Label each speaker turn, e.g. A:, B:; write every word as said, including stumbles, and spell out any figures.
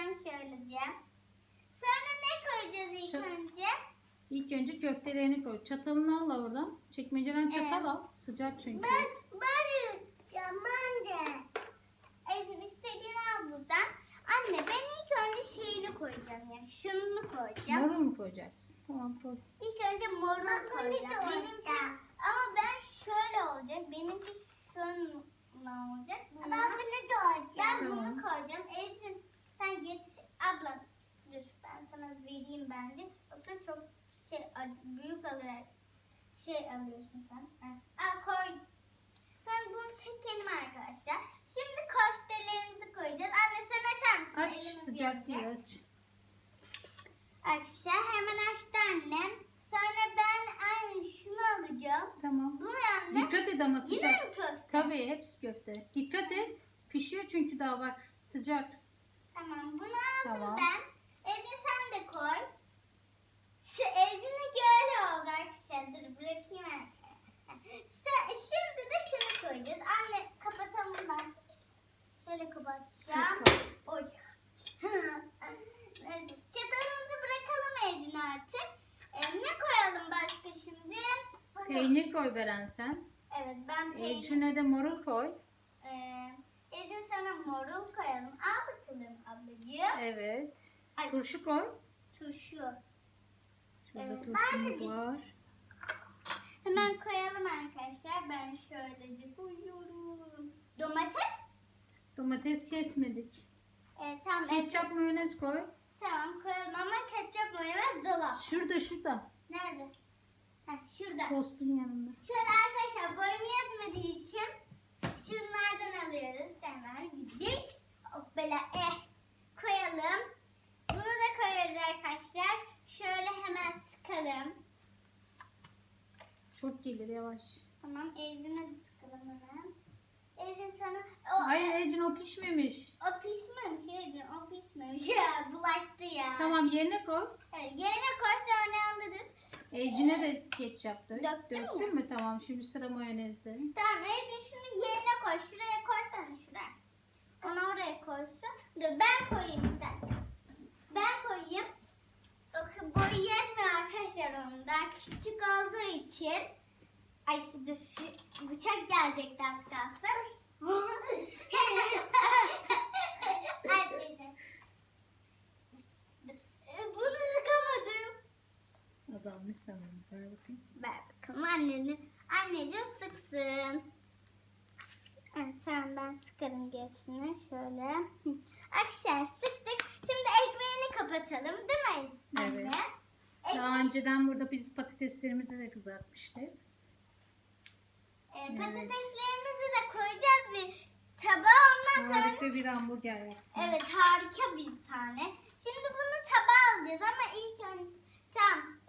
A: koyacağım şöylece. Sonra ne koyacağız ilk
B: Çat-
A: önce?
B: İlk önce köftelerini koy. Çatalını al oradan. Çekmeceden çatal
A: Evet.
B: al. Sıcak çünkü.
A: Ben, ben yutacağım anne. Evet, istediğini al buradan. Anne ben ilk önce şeyini koyacağım yani şunu koyacağım.
B: Marul mu koyacaksın? Tamam koy.
A: İlk önce morul koyacağım. Benimki, ama ben şöyle olacak. Benimki şununla olacak. Bununla. Ben bunu koyacağım. Ben
B: Tamam.
A: bunu koyacağım. Ecrin sen geç. Abla dur ben sana vereyim bence. Yoksa çok şey büyük alarak şey alıyorsun sen. Ha. Al koy. Sen bunu çekelim arkadaşlar. Şimdi köftelerimizi koyacağız. Anne sen açar mısın?
B: Aç,
A: Elimiz
B: sıcak
A: yanacak.
B: değil, aç.
A: Arkadaşlar hemen açtı annem. Sonra ben aynı şunu alacağım.
B: Tamam.
A: Bunu anne.
B: Dikkat et ama
A: Yine
B: sıcak.
A: mi köfte?
B: Tabii hepsi köfte. Dikkat et. Pişiyor çünkü daha bak. Sıcak.
A: Tamam bunu aldım
B: Tamam.
A: ben. Ecin sen de koy. Şu Ecin'inki öyle oldu arkadaşlar. Dur bırakayım arkaya. Sen- Şimdi de şunu koyacağız. Anne kapatalım ben. Şöyle kapatacağım. Oy. Neyse, çatalımızı bırakalım Ecin artık. Ee, ne koyalım başka şimdi?
B: Peynir koy Beren sen.
A: Evet ben peynir.
B: Ecrin'e de marul koy.
A: Ee, Ecin sana morul koyalım. Al bakalım ablacığım.
B: Evet.
A: Ay,
B: Turşu koy.
A: turşu.
B: Şurada
A: Evet,
B: turşumuz
A: ben de-
B: var.
A: Hemen koyalım arkadaşlar. Ben şöylece koyuyorum. Domates.
B: Domates kesmedik.
A: Ee, tamam. et-
B: Ketçap mayonez koy.
A: Tamam koyalım ama ketçap mayonez dolap.
B: Şurada şurada.
A: Nerede? Heh, şurada.
B: Tostun yanında.
A: Şöyle arkadaşlar boyum yetmediği için şunlardan alıyoruz. Hemen cicik. Hop böyle eh koyalım. Bunu da koyarız arkadaşlar. Şöyle hemen sıkalım.
B: Çok gelir yavaş.
A: Tamam Ecrin'e de sıkalım hemen. Ecrin sana o,
B: Hayır Ecrin o pişmemiş.
A: o pişmemiş Ecrin o pişmemiş. Ya bulaştı ya.
B: Tamam yerine koy.
A: Evet, yerine koy sonra alırız.
B: Ecrin'e de ketçap dök.
A: Döktün
B: Döktün mü? Tamam şimdi sıra mayonezde.
A: Tamam Ecrin şunu yerine koy. Şuraya koysana şuraya. Onu oraya koysun. Dur ben koyayım istersen. Ben koyayım. Bakın boyu yetmiyor arkadaşlar onun da. Küçük olduğu için. Ay dur şu bıçak gelecekti az kalsın. Ay, dedim. Dur. Ee, Bunu sıkamadım.
B: Azalmış sanırım. Ver bakayım.
A: Ver bakalım anneciğim. Anneciğim sıksın. Evet tamam ben sıkarım gerisini şöyle. Hı. Arkadaşlar sıktık. Şimdi ekmeğini kapatalım değil mi anne?
B: Evet.
A: Ek-
B: Daha önceden burada biz patateslerimizi de kızartmıştık.
A: e, patateslerimizi de koyacağız bir tabağa ondan sonra.
B: Harika bir hamburger yaptım.
A: Evet harika bir tane. Şimdi bunu tabağa alacağız ama ilk önce tamam